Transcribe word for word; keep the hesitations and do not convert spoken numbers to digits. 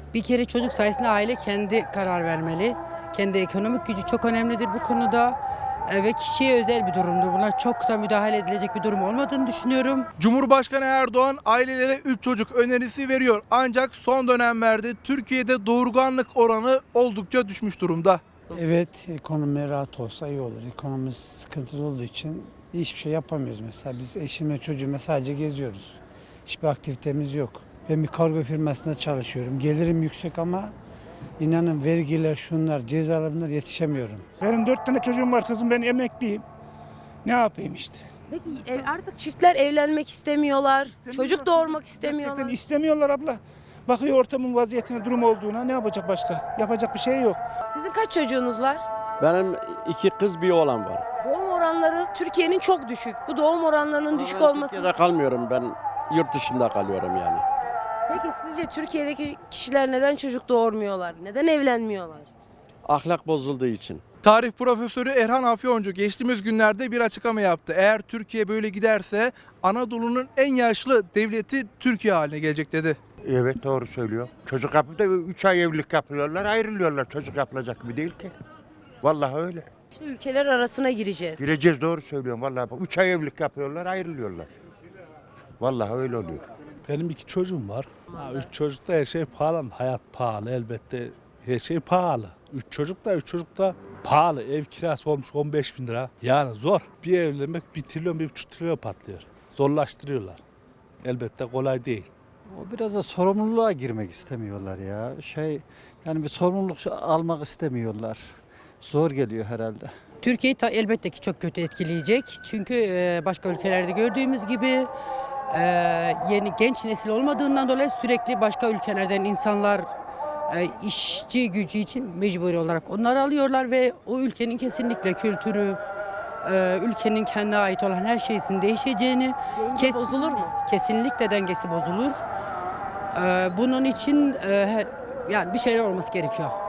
Bir kere çocuk sayesinde aile kendi karar vermeli. Kendi ekonomik gücü çok önemlidir bu konuda. E, Ve kişiye özel bir durumdur. Buna çok da müdahale edilecek bir durum olmadığını düşünüyorum. Cumhurbaşkanı Erdoğan ailelere üç çocuk önerisi veriyor. Ancak son dönemlerde Türkiye'de doğurganlık oranı oldukça düşmüş durumda. Evet, ekonomi rahat olsa iyi olur. Ekonomi sıkıntılı olduğu için hiçbir şey yapamıyoruz mesela. Biz eşimle çocuğumla sadece geziyoruz. Hiçbir aktivitemiz yok. Ben bir kargo firmasında çalışıyorum. Gelirim yüksek ama inanın vergiler, şunlar, cezalar bunlar yetişemiyorum. Benim dört tane çocuğum var kızım, ben emekliyim. Ne yapayım işte. Peki ev- artık çiftler evlenmek istemiyorlar, çocuk doğurmak Gerçekten istemiyorlar. istemiyorlar abla. Bakıyor ortamın vaziyetine, durum olduğuna, ne yapacak başka? Yapacak bir şey yok. Sizin kaç çocuğunuz var? Benim iki kız bir oğlan var. Doğum oranları Türkiye'nin çok düşük. Bu doğum oranlarının düşük Ben olması. Türkiye'de kalmıyorum, ben yurt dışında kalıyorum yani. Peki sizce Türkiye'deki kişiler neden çocuk doğurmuyorlar? Neden evlenmiyorlar? Ahlak bozulduğu için. Tarih profesörü Erhan Afyoncu geçtiğimiz günlerde bir açıklama yaptı. Eğer Türkiye böyle giderse Anadolu'nun en yaşlı devleti Türkiye haline gelecek dedi. Evet, doğru söylüyor. Çocuk yapıp da üç ay evlilik yapıyorlar, ayrılıyorlar. Çocuk yapılacak gibi değil ki. Vallahi öyle. İşte ülkeler arasına gireceğiz. Gireceğiz, doğru söylüyorum vallahi. Üç ay evlilik yapıyorlar, ayrılıyorlar. Vallahi öyle oluyor. Benim iki çocuğum var. Ha, üç çocukta her şey pahalı. Hayat pahalı elbette. Her şey pahalı. Üç çocuk da üç çocuk da pahalı. Ev kirası olmuş on beş bin lira. Yani zor. Bir evlenmek bir trilyon, bir buçuk trilyon patlıyor. Zorlaştırıyorlar. Elbette kolay değil. O biraz da sorumluluğa girmek istemiyorlar ya. Şey yani bir sorumluluk almak istemiyorlar. Zor geliyor herhalde. Türkiye'yi ta- elbette ki çok kötü etkileyecek. Çünkü e, başka ülkelerde gördüğümüz gibi e, yeni genç nesil olmadığından dolayı sürekli başka ülkelerden insanlar e, işçi gücü için mecburi olarak onları alıyorlar ve o ülkenin kesinlikle kültürü, e, ülkenin kendine ait olan her şeysin değişeceğini, Denge bozulur mu? kesinlikle dengesi bozulur. E, bunun için e, yani bir şeyler olması gerekiyor.